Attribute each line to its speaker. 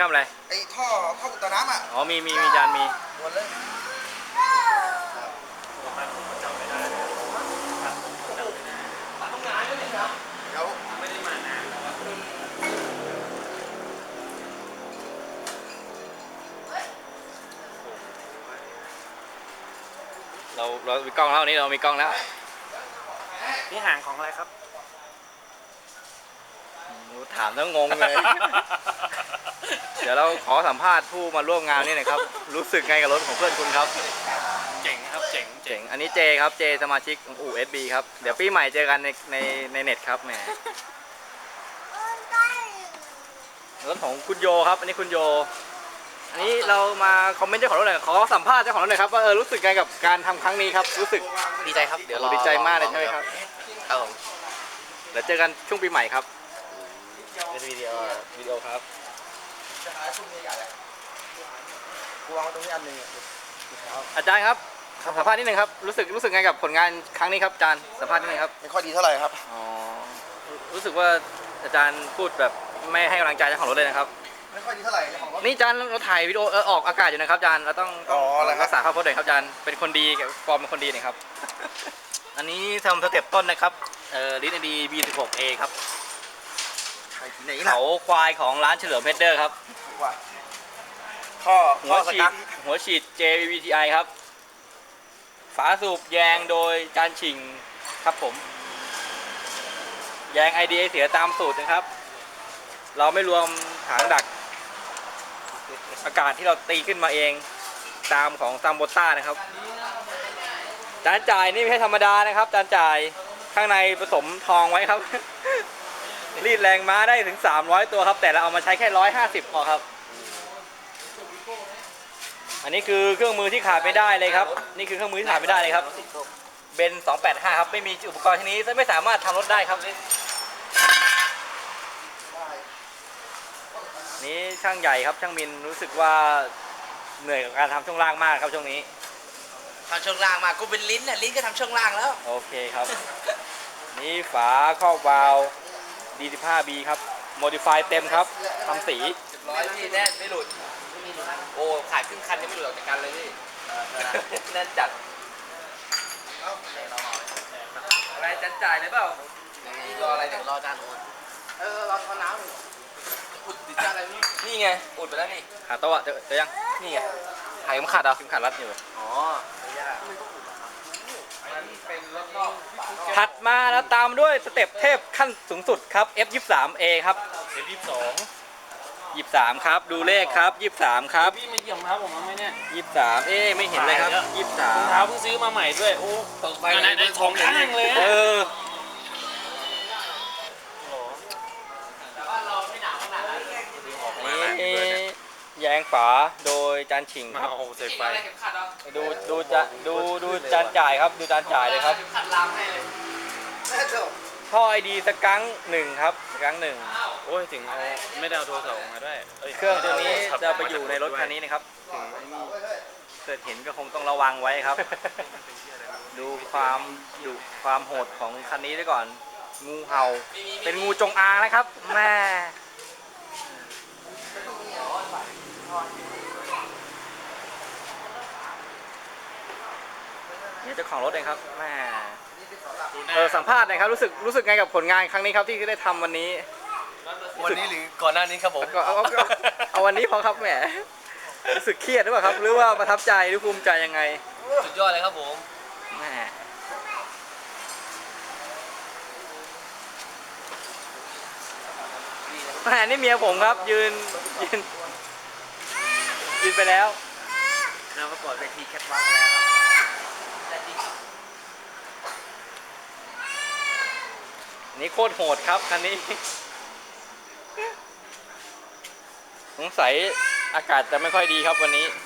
Speaker 1: ทำอะไร
Speaker 2: ไอ้ท่ออุดตันน้ำอ่ะ
Speaker 1: อ๋อมีจานมี
Speaker 2: หมดเลยเดี๋ยว
Speaker 1: ไม่ได้มานานแล้วเรามีกล้องแล้ววันนี้เรามีกล้องแล้ว
Speaker 3: นี่ห่างของอะไรครับ
Speaker 1: ถามแล้วงงเลย เดี๋ยวเราขอสัมภาษณ์ผู้มาร่วมงานนี่หน่อยครับ รู้สึกไงกับรถของเพื่อนคุณครับ
Speaker 3: เจ๋งครับเจ๋ง
Speaker 1: อันนี้เจครับเจสมาชิกของอู่ SB ครับเดี๋ยวปีใหม่เจอกันในเน็ตครับแหมรถของคุณโยครับอันนี้คุณโยอันนี้เรามาคอมเมนต์เจ้าของรถหน่อยขอสัมภาษณ์เจ้าของรถหน่อยครับว่ารู้สึกไงกับการทำครั้งนี้ครับรู้สึก
Speaker 3: ดีใจครับเดี๋ยว
Speaker 1: ดีใจมากเลยใช่ไหมครับ
Speaker 3: ครับผม
Speaker 1: เดี๋ยวเจอกันช่วงปีใหม่ครับ
Speaker 3: เป็นวิดีโอครับ
Speaker 2: จะหาชุดใหญ่ๆกูวางตรงนี้อันหนึ่ง
Speaker 1: อาจารย์ครับสัมภาษณ์นิดนึงครับรู้สึกไงกับผลงานครั้งนี้ครับอาจารย์สัมภาษณ์นิดนึงครับ
Speaker 2: ไม่ค่อยดีเท่าไหร่ครับ
Speaker 1: อ๋อรู้สึกว่าอาจารย์พูดแบบไม่ให้กำลังใจเจ้าของรถเลยนะครับ
Speaker 2: ไม่ค่อยดีเท่าไหร่ของรถ
Speaker 1: นี่อาจารย์เราถ่ายวิดีโอออกอากาศอยู่นะครับอาจารย์เราต้องรักษาภาพพจน์หน่อยครับอาจารย์เป็นคนดีฟอร์มเป็นคนดีหน่อยครับอันนี้ทำสเต็ปต้นนะครับลิ้นดี B16A ครับเขาควายของร้านเฉลิมเพชรเดอร์ครับหัวฉีด JVTI ครับฝาสูบแยงโดยจานชิงครับผมแยง IDA เสียตามสูตรนะครับเราไม่รวมถังดักอากาศที่เราตีขึ้นมาเองตามของซัมโบต้านะครับจานจ่ายนี่ไม่ใช่ธรรมดานะครับจานจ่ายข้างในผสมทองไว้ครับ รีดแรงม้าได้ถึง300ตัวครับแต่เราเอามาใช้แค่150พอครับอันนี้คือเครื่องมือที่ขาดไม่ได้เลยครับนี่คือเครื่องมือที่ขาดไม่ได้เลยครับเบน285ครับไม่มีอุปกรณ์ที่นี้ไม่สามารถทำรถได้ครับนี้ช่างใหญ่ครับช่างมินรู้สึกว่าเหนื่อยกับการทำช่วงล่างมากครับช่วงนี้
Speaker 3: ทำช่วงล่างมากูเป็นลิ้นน่ะลิ้นก็ทำช่วงล่างแล้ว
Speaker 1: โอเคครับนี่ฝาครอบวาล์ว D15B ครับโมดิฟายเต็มครับทำสี
Speaker 3: 100พี่แน่ไม่หลุดโอ้ขายครึ่งคันยังไม่หลุดออกจากกันเลยพี่แน่นจัด
Speaker 1: อะไรจันจ่ายเลยเปล่าร
Speaker 3: ออะไรเดี๋ยวรอจานรอทอน้ำอุดติดจานอะไรนี่ไงอุดไปแล้วนี่
Speaker 1: ขาโต๊ะเจอยัง
Speaker 3: นี่ไงหายขาดเหรอ
Speaker 1: ขาดรัดอยู่
Speaker 3: อ๋อ
Speaker 1: ถัดมาแล้วตามด้วยสเต็ปเทพขั้นสูงสุดครับ F23A ครับ 23ครับดูเลขครับ23ครับ
Speaker 3: พี่มาเยี่ยมครับผมไหมเนี่ย
Speaker 1: 23ไม่เห็นเลยครับ23
Speaker 3: เท้าเพิ่งซื้อมาใหม่ด้วยโอ้ตกไปในทองข้างเลย
Speaker 1: แยงฝาโดยจานฉิงครับ
Speaker 3: เสร็จไป
Speaker 1: ดูจานจ่ายครับดูจานจ่ายเลยครับท่อไอดีสกัง1ครับสกัง1
Speaker 3: โอ้ยถึงเอาไม่ได้เอาโทรศัพท์มาด้วย
Speaker 1: เครื่องตัวนี้จะไปอยู่ในรถคันนี้นะครับเกิดเห็นก็คงต้องระวังไว้ครับดูความโหดของคันนี้ด้วยก่อนงูเห่าเป็นงูจงอางนะครับแม่นี่เจ้าของรถเองครับแม่สัมภาษณ์หน่อยครับรู้สึกไงกับผลงานครั้งนี้ครับที่ได้ทำวันนี้
Speaker 3: หรือก่อนหน้านี้ครับผม
Speaker 1: เอาวันนี้พอครับแหมรู้สึกเครียดหรือเปล่าครับหรือว่าประทับใจหรือภูมิใจยังไง
Speaker 3: สุดยอดเลยครับผม
Speaker 1: แม่นี่เมียผมครับยืนไปแล้ว
Speaker 3: เราประกวดเวทีแคทวอล์กแล้ว
Speaker 1: นี่โคตรโหดครับคันนี้สงสัยอากาศจะไม่ค่อยดีครับวันนี้